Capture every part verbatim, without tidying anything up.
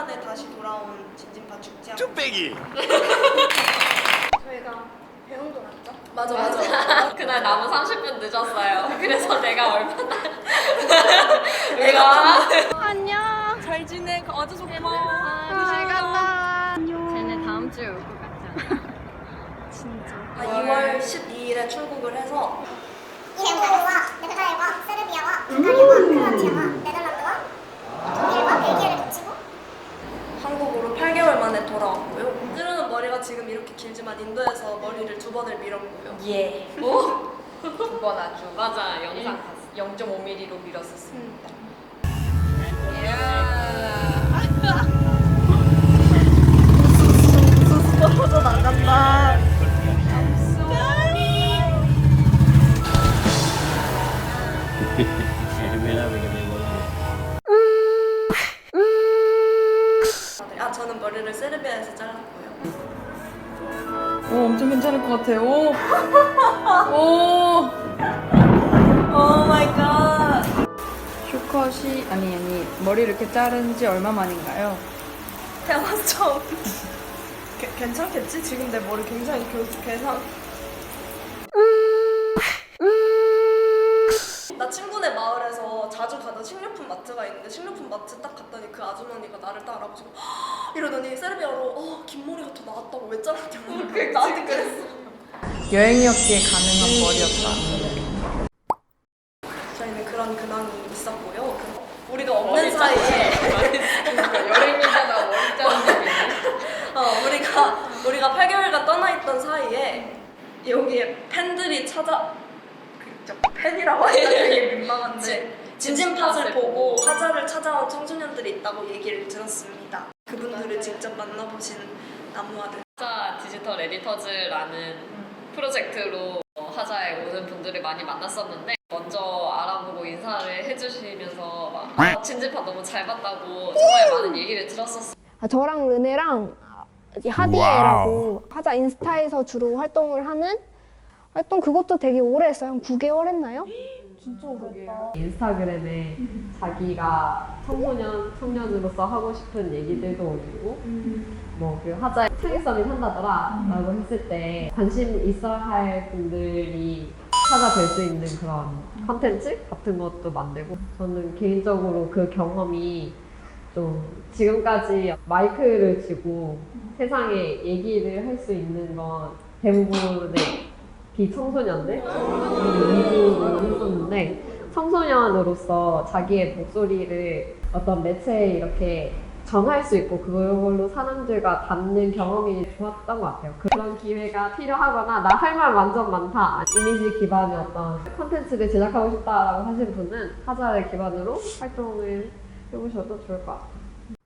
만에 다시 돌아온 진진파 축제하고 쭈빼기. 저희가 배웅도 났죠? 맞아 맞아. 그날 나무 삼십 분 늦었어요. 그래서 내가 얼마나 내가 안녕. 잘 지내. 와줘서 고마워. 잘 간다. 쟤네 다음 주에 올 것 같지 않아? 진짜. 아, 이월 십이일에 출국을 해서 이란과 네덜란드와 세르비아와 불가리아와 크로아티아와 네덜란드와 독일과 벨기에를 거치고 한국으로 팔 개월 만에 돌아왔고요. 찌르는 머리가 지금 이렇게 길지만 인도에서 머리를 두 번을 밀었고요. 예. 오? 두 번 아주. 맞아. 영상 봤어. 영 점 오 밀리미터로 밀었었습니다. 터져 나간다. 아 저는 머리를 세르비아에서 잘랐고요. 오, 엄청 괜찮을 것 같아요. 오. 오. 오 마이 갓. 쇼컷이 아니 아니 머리를 이렇게 자른 지 얼마 만인가요? 태어나서 처음. 게, 괜찮겠지? 지금 내 머리 굉장히 교, 괴상. 나 친구네 마을에서 자주 가던 식료품 마트가 있는데 식료품 마트 딱 갔더니 그 아주머니가 나를 딱 알아보시고 이러더니 세르비아로 어, 긴 머리가 더 나았다고 왜 잘랐냐고 나한테 그랬어. 여행이었기에 가능한 머리였다. 저희는 그런 근황이 있었고요. 그, 우리가 없는 사이에 그러니까 여행이잖아 머리 자른 게. 어, 우리가 우리가 팔 개월간 떠나 있던 사이에 여기에 팬들이 찾아 그, 팬이라고 하니까 되게 민망한데 진진팟을 보고 화자를 찾아온 청소년들이 있다고 얘기를 들었습니다. 그분들을 직접 만나보신 나무아들. 하자 디지털 에디터즈라는 프로젝트로 하자에 오는 분들을 많이 만났었는데 먼저 알아보고 인사를 해주시면서 막 아, 진진파 너무 잘 봤다고 정말 많은 얘기를 들었었어요. 아, 저랑 르네랑 이제 하디에라고 하자 인스타에서 주로 활동을 하는 활동 그것도 되게 오래 했어요. 한 구 개월 했나요? 진짜 오래됐다. 인스타그램에 자기가 청소년, 청년으로서 하고 싶은 얘기들도 올리고 뭐 그 하자에 창의성이 산다더라 라고 했을 때 관심 있어 할 분들이 찾아뵐 수 있는 그런 컨텐츠 같은 것도 만들고 저는 개인적으로 그 경험이 좀 지금까지 마이크를 쥐고 세상에 얘기를 할 수 있는 건 대부분의 비청소년들 위주로 했었는데 청소년으로서 자기의 목소리를 어떤 매체에 이렇게 전할 수 있고 그걸로 사람들과 닿는 경험이 좋았던 것 같아요. 그런 기회가 필요하거나 나 할 말 완전 많다 이미지 기반의 어떤 콘텐츠를 제작하고 싶다라고 하신 분은 하자를 기반으로 활동을 해보셔도 좋을 것 같아요.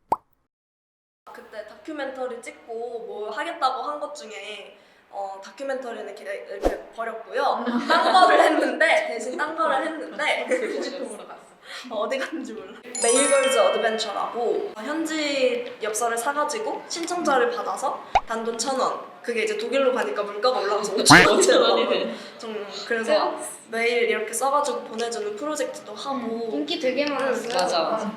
그때 다큐멘터리 찍고 뭐 하겠다고 한 것 중에 어, 다큐멘터리는 이렇게, 이렇게 버렸고요. 딴 거를 했는데 대신 딴 거를 했는데 휴지통으로 갔어. 어, 어디 갔는지 몰라. 메일걸즈 어드벤처라고 현지 엽서를 사가지고 신청자를 받아서 단돈 천 원. 그게 이제 독일로 가니까 물가가 올라가서 오천 원이네. 정말 그래서 매일 이렇게 써가지고 보내주는 프로젝트도 하고. 인기 되게 많았어요. 맞아 맞아.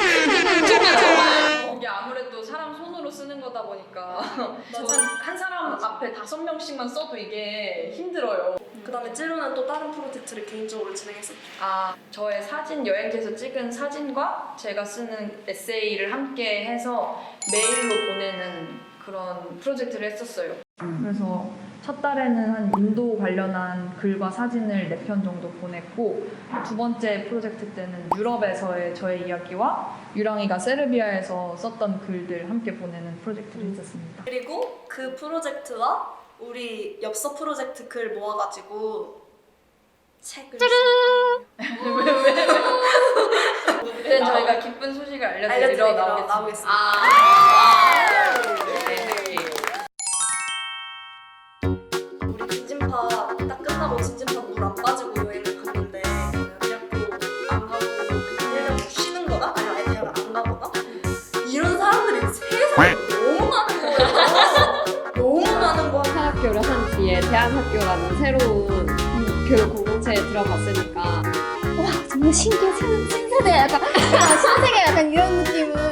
이게 아무래도 사람 손으로 쓰는 거다 보니까 한, 한 사람 앞에 다섯 명씩만 써도 이게 힘들어요. 그 다음에 찌루는 또 다른 프로젝트를 개인적으로 진행했었죠. 아, 저의 사진 여행지에서 찍은 사진과 제가 쓰는 에세이를 함께 해서 메일로 보내는 그런 프로젝트를 했었어요. 그래서 첫 달에는 한 인도 관련한 글과 사진을 네 편 정도 보냈고 두 번째 프로젝트 때는 유럽에서의 저의 이야기와 유랑이가 세르비아에서 썼던 글들 함께 보내는 프로젝트를 했었습니다. 그리고 그 프로젝트와 우리 엽서 프로젝트 글 모아가지고 책을 그때 저희가 기쁜 소식을 알려드리러 알려드리러 나오겠습니다. 나오겠습니다. 아. 우리 진진파 딱 끝나고 진진파 물 안 빠지고 여행을 갔는데 대학교 안 가고 그냥 일 년 쉬는 거나 아니면 아예 대학을 안 가거나 이런 사람들이 세상에 너무 많은 거예요. 너무 많은 거야. 사학교를 한 뒤에 대한학교라는 새로운 교육 공동체에 들어갔으니까 와 정말 신기해. 신세대 약간 아, 신세계 약간 이런 느낌은